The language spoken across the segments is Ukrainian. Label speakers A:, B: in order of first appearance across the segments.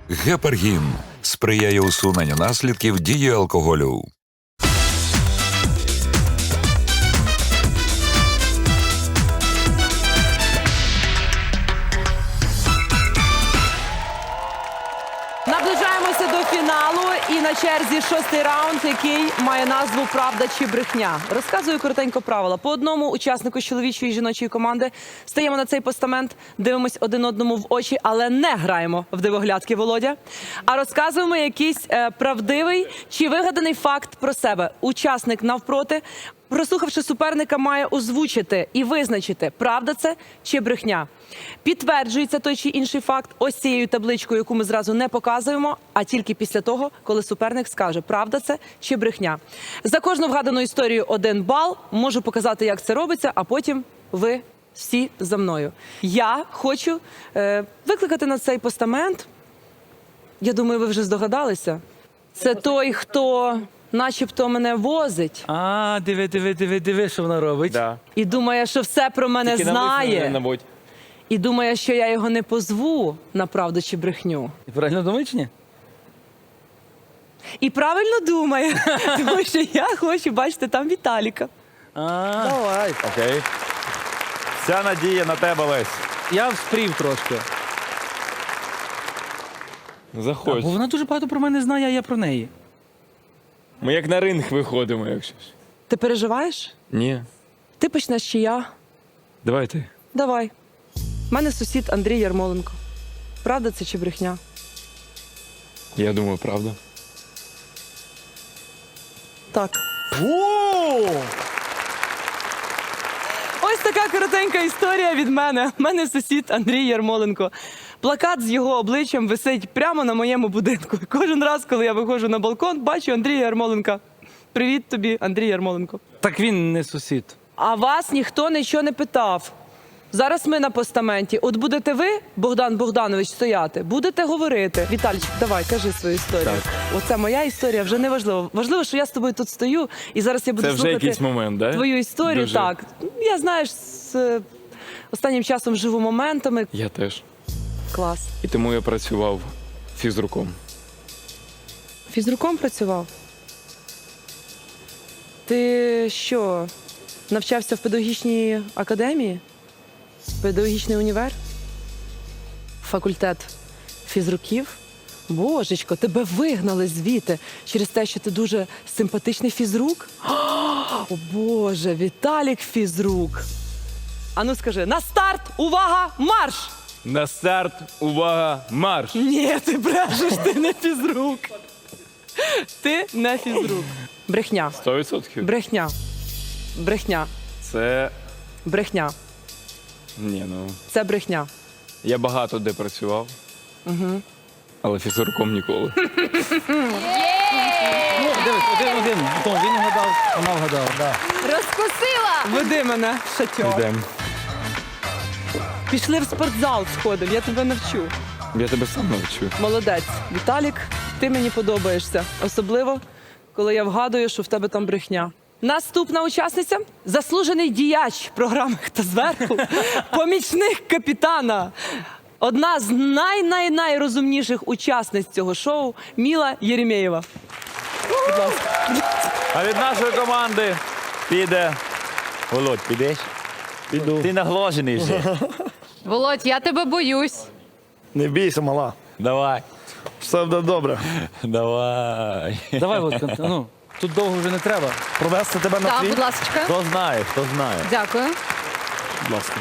A: Гепаргін сприяє усуненню наслідків дії алкоголю.
B: Наближаємося до фіналу і на черзі 6-й раунд, який має назву «Правда чи брехня». Розказую коротенько правила. По одному учаснику чоловічої і жіночої команди стаємо на цей постамент, дивимось один одному в очі, але не граємо в дивоглядки, Володя, а розказуємо якийсь правдивий чи вигаданий факт про себе. Учасник навпроти, прослухавши суперника, має озвучити і визначити, правда це чи брехня. Підтверджується той чи інший факт ось цією табличкою, яку ми зразу не показуємо, а тільки після того, коли суперник скаже, правда це чи брехня. За кожну вгадану історію 1 бал. Можу показати, як це робиться, а потім ви всі за мною. Я хочу викликати на цей постамент, я думаю, ви вже здогадалися, це той, хто начебто мене возить
C: Диви, що вона робить.
D: Да.
B: і думає, що все про мене
D: Тільки навмисно не
B: знає.
D: наводь.
B: І думає, що я його не позву на правду чи брехню.
C: Ти правильно думаєш чи ні?
B: І правильно думає, тому що я хочу бачити там Віталіка.
C: Давай.
D: Окей. Вся надія на тебе, Лесь.
C: Я вспрів трошки.
D: Заходь.
C: Бо вона дуже багато про мене знає, а я про неї.
D: Ми як на ринг виходимо, якщо ж.
B: Ти переживаєш?
D: Ні.
B: Ти почнеш чи я?
D: Давай ти.
B: Давай. У мене сусід Андрій Ярмоленко. Правда це чи брехня?
D: Я думаю, правда.
B: Так. Ось така коротенька історія від мене. У мене сусід Андрій Ярмоленко. Плакат з його обличчям висить прямо на моєму будинку. І кожен раз, коли я виходжу на балкон, бачу Андрія Ярмоленка. Привіт тобі, Андрій Ярмоленко.
C: Так він не сусід.
B: А вас ніхто нічого не питав. Зараз ми на постаменті. От будете ви, Богдан Богданович, стояти, будете говорити. Віталійчик, давай, кажи свою історію.
D: Так.
B: Оце моя історія, вже не важливо. Важливо, що я з тобою тут стою, і зараз я буду
D: Це вже
B: слухати
D: якийсь момент, да?
B: твою історію.
D: Дуже.
B: Так. Я, знаєш, з останнім часом живу моментами.
D: Я теж.
B: Клас.
D: І тому я працював фізруком.
B: Фізруком працював? Ти що, навчався в педагогічній академії? Педагогічний універ? Факультет фізруків? Божечко, тебе вигнали звідти через те, що ти дуже симпатичний фізрук? О, Боже, Віталік фізрук. Ану скажи, на старт, увага, марш!
D: На старт, увага, марш!
B: Ні, ти брешеш, ти не фізрук. Ти не фізрук. Брехня.
D: 100%?
B: Брехня. Брехня.
D: Це...
B: Брехня.
D: Ні, ну...
B: Це брехня.
D: Я багато де працював. Угу. Але фізруком ніколи.
C: Ну, дивись, один. Том, він вгадав, вона вгадала. Да.
E: Розкусила!
B: Веди мене, шатьор.
D: Йдем.
B: Пішли в спортзал сходив, я тебе навчу.
D: Я тебе сам навчу.
B: Молодець. Віталік, ти мені подобаєшся. Особливо, коли я вгадую, що в тебе там брехня. Наступна учасниця – заслужений діяч програми «Хто зверху», помічник капітана. Одна з найрозумніших учасниць цього шоу – Міла Єремєєва. Будь ласка.
F: А від нашої команди піде. Володь, підеш?
G: Піду.
F: Ти наглажений вже.
E: Володь, я тебе боюсь.
G: Не бійся, мала.
F: Давай.
G: Все буде добре.
F: Давай.
C: Давай, Володька, ну, тут довго вже не треба.
G: Провести тебе на
E: Так,
G: твій?
E: будь ласка.
F: Хто знає, хто знає.
E: Дякую.
G: Будь ласка.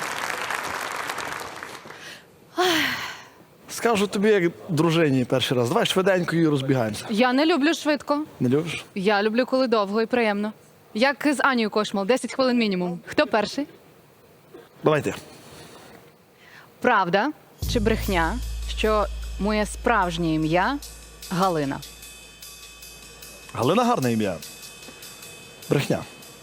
G: Скажу тобі, як дружині перший раз. Давай швиденько і розбігаємося.
E: Я не люблю швидко.
G: Не любиш?
E: Я люблю, коли довго і приємно. Як з Анією Кошмал, 10 хвилин мінімум. Хто перший?
G: Давай ти.
E: Правда чи брехня, що моє справжнє ім'я Галина?
G: Галина гарне ім'я. Брехня.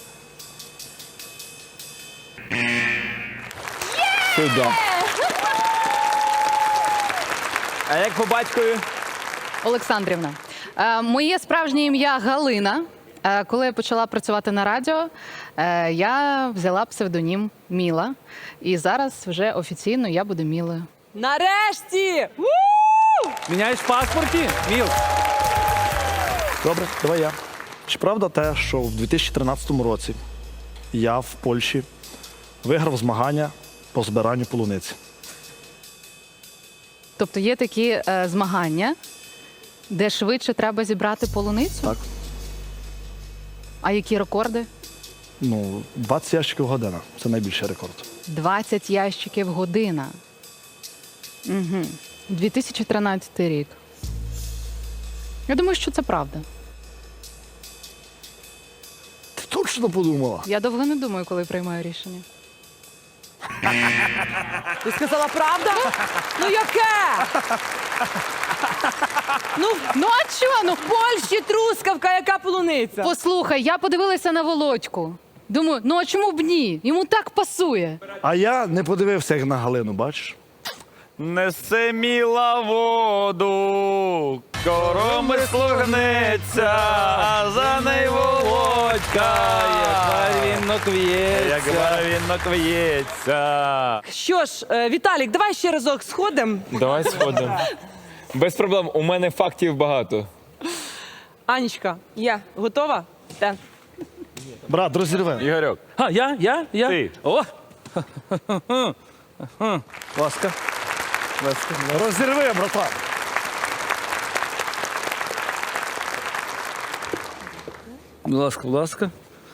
F: Сюди. А як по батькові?
E: Олександрівна. Моє справжнє ім'я Галина. Коли я почала працювати на радіо, я взяла псевдонім Міла. І зараз вже офіційно я буду Мілою.
B: Нарешті! У!
C: Міняєш в паспорті? Міл.
G: Добре, давай я. Чи правда те, що в 2013 році я в Польщі виграв змагання по збиранню полуниці?
E: Тобто є такі змагання, де швидше треба зібрати полуницю?
G: Так.
E: А які рекорди?
G: Ну, 20 ящиків година. Це найбільший рекорд.
E: 20 ящиків година. Угу. 2013 рік. Я думаю, що це правда.
G: Ти точно подумала?
E: Я довго не думаю, коли приймаю рішення.
B: Ти сказала правда? Ну яке? Ну а що? Ну в Польщі трускавка, яка полуниця?
E: Послухай, я подивилася на Володьку. Думаю, ну а чому б ні? Йому так пасує.
G: А я не подивився, як на Галину, бачиш?
F: Несе міла воду, коромисло гнеться, а за нею Володька,
C: Як барвінок
F: як
C: в'ється.
F: барвінок в'ється.
B: Що ж, Віталік, давай ще разок сходимо.
D: Давай сходимо. Без проблем, у мене фактів багато.
B: Анічка, я готова? Так.
G: Брат, розірве.
F: Ігорьок,
C: А, я?
F: Ти.
C: О! Ласка. Ласка.
G: Розірви, братан.
C: Будь ласка, будь ласка.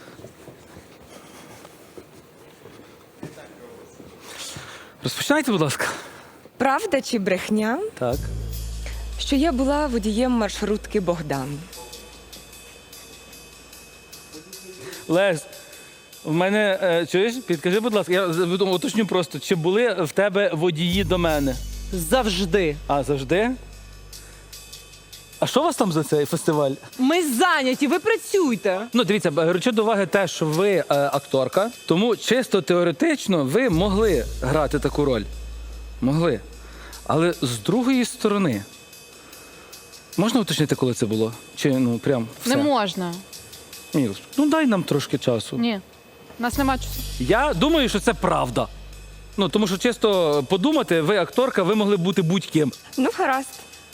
C: Розпочинайте, будь ласка.
H: Правда чи брехня,
C: Так.
H: що я була водієм маршрутки Богдан?
C: Лесь, в мене, чуєш, підкажи, будь ласка, я уточню просто, чи були в тебе водії до мене?
B: Завжди.
C: А, завжди? А що у вас там за цей фестиваль?
B: Ми зайняті, ви працюйте.
C: Ну, дивіться, беручи до уваги те, що ви акторка, тому чисто теоретично ви могли грати таку роль. Могли. Але з другої сторони, можна уточнити, коли це було? Чи ну прям все?
E: Не можна.
C: Ні, ну дай нам трошки часу.
E: Ні. У нас нема часу.
C: Я думаю, що це правда. Ну, тому що чисто подумати, ви акторка, ви могли бути будь-ким.
H: Ну, гаразд.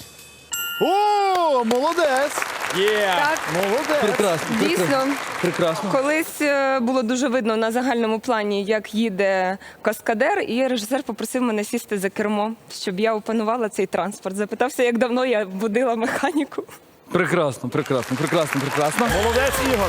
G: О, молодець!
H: Так,
G: Молодець!
C: Прекрасно.
H: дійсно,
C: Прекрасно.
H: колись було дуже видно на загальному плані, як їде каскадер, і режисер попросив мене сісти за кермо, щоб я опанувала цей транспорт. Запитався, як давно я будила механіку.
C: Прекрасно.
G: Молодець, Ігор!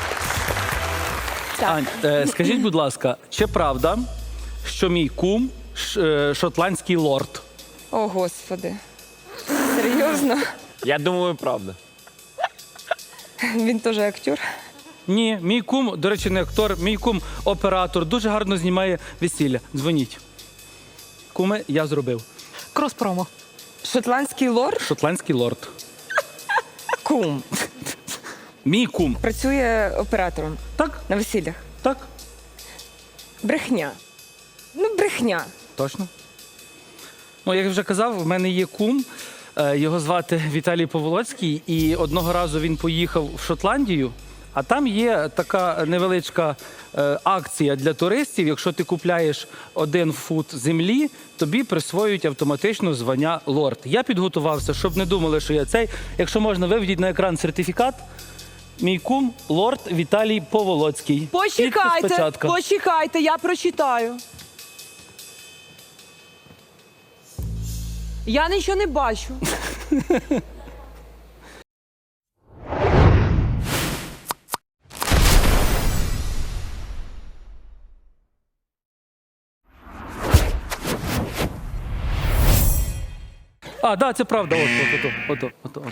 C: Ань, скажіть, будь ласка, чи правда, що мій кум шотландський лорд?
H: О, Господи. Серйозно?
F: я думаю, правда.
H: Він теж актор.
C: Ні, мій кум, до речі, не актор, мій кум оператор, дуже гарно знімає весілля. Дзвоніть. Куме, я зробив.
E: Крос-промо.
H: Шотландський лорд?
C: Шотландський лорд.
H: Кум.
C: Мій кум.
H: Працює оператором
C: Так,
H: на весіллях.
C: так,
H: Брехня. Ну, брехня.
C: точно. Ну, як я вже казав, в мене є кум, його звати Віталій Поволоцький, і одного разу він поїхав в Шотландію, а там є така невеличка акція для туристів. Якщо ти купляєш 1 фут землі, тобі присвоюють автоматично звання лорд. Я підготувався, щоб не думали, що я цей. Якщо можна, виведіть на екран сертифікат. Мій кум лорд Віталій Поволоцький. Підпис
B: Почекайте,
C: печатка.
B: почекайте, я прочитаю. Я нічого не бачу.
C: А, да, це правда. Ото.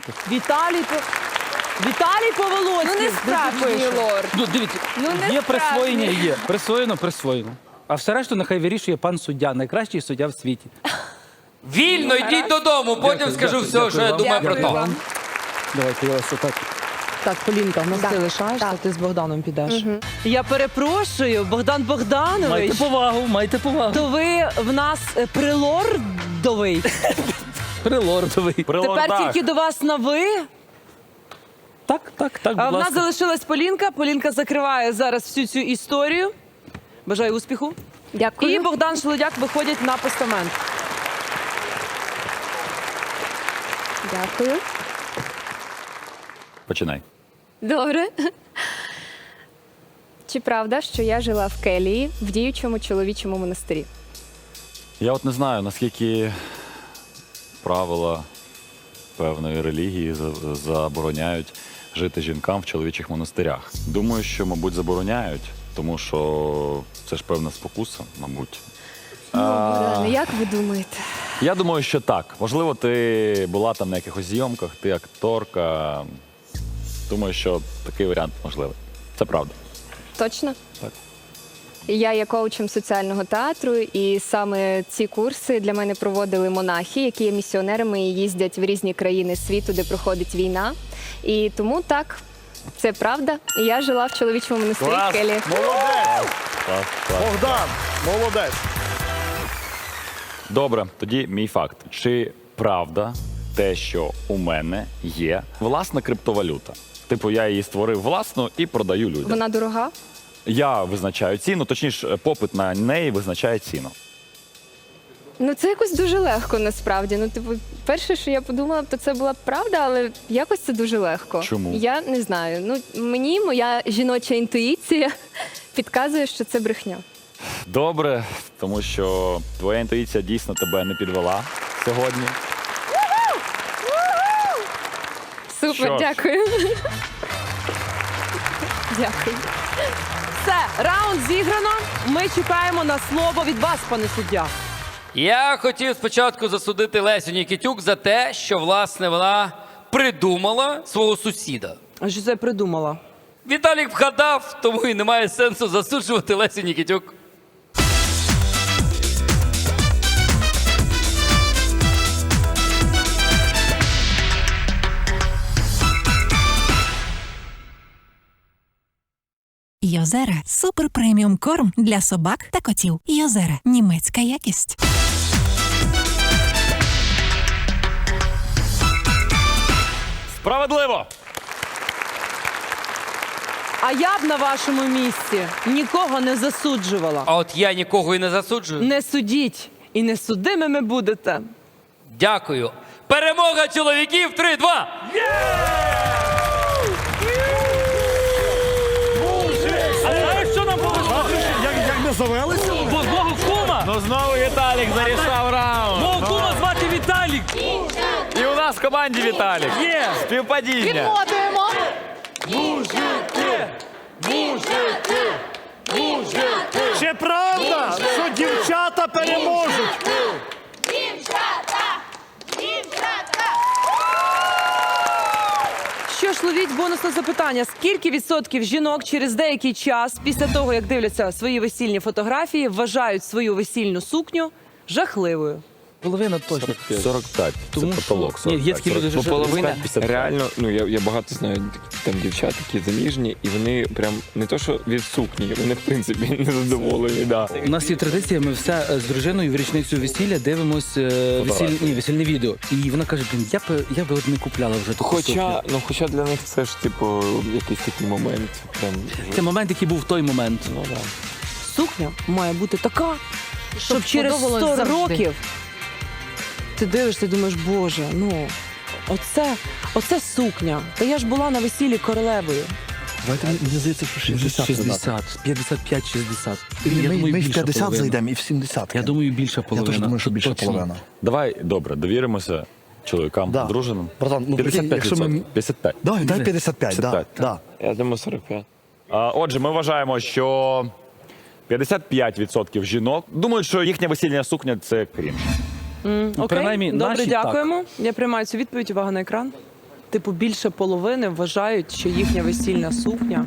B: Віталій Поволоцький.
H: Ну, не справжній лорд.
C: Ну, дивіться,
H: Ну, не
C: є
H: справжній.
C: присвоєння, є. Присвоєно. А все решту нехай вирішує пан суддя, найкращий суддя в світі.
I: Вільно, йдіть додому, потім скажу все, що я думаю про
H: Дякую
I: то.
H: вам.
C: Давайте я вас отак.
B: Так, Полінка, в нас ти лишаєшся, ти з Богданом підеш. Я перепрошую, Богдан Богданович.
C: Майте повагу.
B: То ви в нас прилордовий.
C: Прилордовий.
B: Тепер тільки до вас на ви.
C: Так,
B: А
C: будь
B: в нас
C: ласка.
B: залишилась Полінка. Полінка закриває зараз всю цю історію. Бажаю успіху.
H: Дякую.
B: І Богдан Шелудяк виходять на постамент.
H: Дякую.
F: Починай.
H: Добре. Чи правда, що я жила в келії в діючому чоловічому монастирі?
F: Я от не знаю, наскільки правила певної релігії забороняють жити жінкам в чоловічих монастирях. Думаю, що, мабуть, забороняють, тому що це ж певна спокуса, мабуть.
H: Богдане, як ви думаєте?
F: Я думаю, що так. Можливо, ти була там на якихось зйомках, ти акторка. Думаю, що такий варіант можливий. Це правда.
H: Точно?
F: Так.
H: Я є коучем соціального театру, і саме ці курси для мене проводили монахи, які є місіонерами і їздять в різні країни світу, де проходить війна. І тому так, це правда. І я жила в чоловічому монастирі в келії.
G: Молодець!
F: Клас, клас.
G: Богдан, молодець!
F: Добре, тоді мій факт. Чи правда те, що у мене є власна криптовалюта? Типу, я її створив власну і продаю людям.
H: Вона дорога?
F: Я визначаю ціну, точніше, попит на неї визначає ціну.
H: Ну, це якось дуже легко, насправді. Ну, типу, перше, що я подумала, то це була б правда, але якось це дуже легко.
F: Чому?
H: Я не знаю. Ну, мені моя жіноча інтуїція підказує, що це брехня.
F: Добре, тому що твоя інтуїція дійсно тебе не підвела сьогодні.
H: Супер,
F: Що ж.
H: дякую. Дякую.
B: Все, раунд зіграно. Ми чекаємо на слово від вас, пане суддя.
I: Я хотів спочатку засудити Лесю Нікітюк за те, що, власне, вона придумала свого сусіда.
B: А що це я придумала?
I: Віталік вгадав, тому і немає сенсу засуджувати Лесю Нікітюк.
J: Йозера – супер преміум корм для собак та котів. Йозера – німецька якість.
F: Справедливо!
B: А я б на вашому місці нікого не засуджувала.
I: А от я нікого і не засуджую.
B: Не судіть і не судимими будете.
I: Дякую. Перемога чоловіків 3-2!
C: А знаєш, що нам повезло?
G: Як ми завелися?
C: Бо знову кума!
D: Ну знову Віталік зарішав раунд.
C: Мого кума звати Віталік!
D: І у нас в команді Віталік.
C: Є!
D: Співпадіння.
E: Відмотуємо.
G: Чи правда, що дівчата переможуть?
B: Що ж, ловіть бонусне запитання. Скільки відсотків жінок через деякий час, після того, як дивляться свої весільні фотографії, вважають свою весільну сукню жахливою?
C: Половина точно.
F: 45.
C: Тому
F: це
C: що-
F: потолок.
C: Ні, є такі люди, що
D: Половина
F: 55.
D: реально, ну я багато знаю там дівчат, які заміжні, і вони прям не то, що від сукні, вони в принципі не задоволені. Да.
C: У нас є традиція, ми все з дружиною в річницю весілля дивимось весільне відео. І вона каже, блін, я би от не купляла вже таку сукню.
D: Хоча для них це ж типу якийсь такий момент. Прям
C: Це момент, який був в той момент.
D: ну, да.
B: Сукня має бути така, щоб через 100
E: подобалось завжди.
B: років ти дивишся і думаєш, боже, ну, оце сукня. Та я ж була на весіллі королевою.
G: Давайте, мені здається, що 60.
C: 60, 55-60.
G: Ми в 50 зайдемо і в 70.
C: Я думаю, більша
G: Я
C: половина.
G: теж думаю, що
C: Тут
G: більше
C: точно.
G: половина.
F: Давай, добре, довіримося чоловікам,
G: Да.
F: дружинам.
G: Братан, ну,
F: 55%.
G: якщо ми-
F: 55.
G: Давай, дай 55, да.
F: 55.
G: Да.
D: Я думаю, 45.
F: Отже, ми вважаємо, що 55% жінок думають, що їхня весільна сукня – це крінж.
B: Окей,
C: принаймні,
B: добре,
C: наші
B: дякуємо. Я приймаю цю відповідь. Увага на екран. Типу, більше половини вважають, що їхня весільна сукня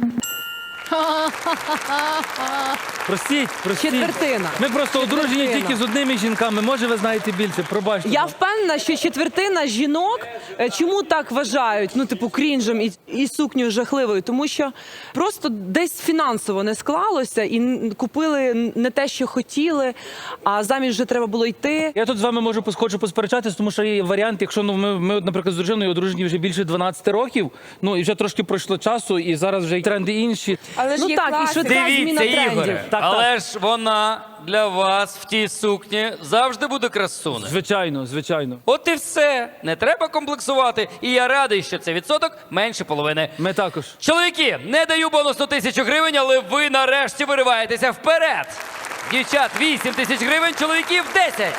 C: Простіть.
B: четвертина.
C: Ми просто одружені
B: Четвертина.
C: тільки з одними жінками. Може, ви знаєте більше, пробачте.
B: Я впевнена, що четвертина жінок чому так вважають, ну, типу, крінжем і сукнею жахливою, тому що просто десь фінансово не склалося і купили не те, що хотіли, а заміж вже треба було йти.
C: Я тут з вами хочу посперечатись, тому що є варіант, якщо ми от, наприклад, з дружиною одружені вже більше 12 років, ну і вже трошки пройшло часу, і зараз вже й тренди інші.
H: Але ж
B: Ну
H: є
B: так, і
H: класика.
B: швидка зміна
I: Дивіться,
B: трендів.
I: Ігоре, Але ж вона для вас в тій сукні завжди буде красунею.
C: Звичайно, звичайно.
I: От і все. Не треба комплексувати. І я радий, що цей відсоток менше половини.
C: Ми також.
I: Чоловіки, не даю бонусну 1000 гривень, але ви нарешті вириваєтеся вперед. Дівчат 8 тисяч гривень, чоловіків 10.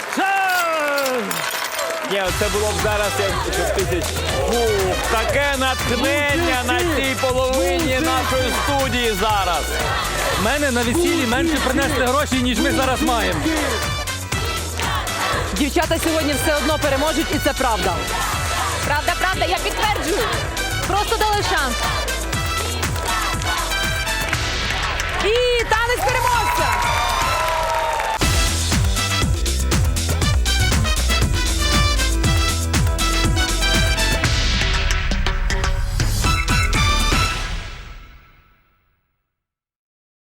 K: Ні, це було б зараз як тисяч. Фух, таке натхнення на цій половині нашої студії зараз.
C: В мене на весіллі менше принесли гроші, ніж ми зараз маємо.
B: Дівчата сьогодні все одно переможуть, і це правда.
E: Правда, правда, я підтверджую. Просто дали шанс.
B: І танець переможця!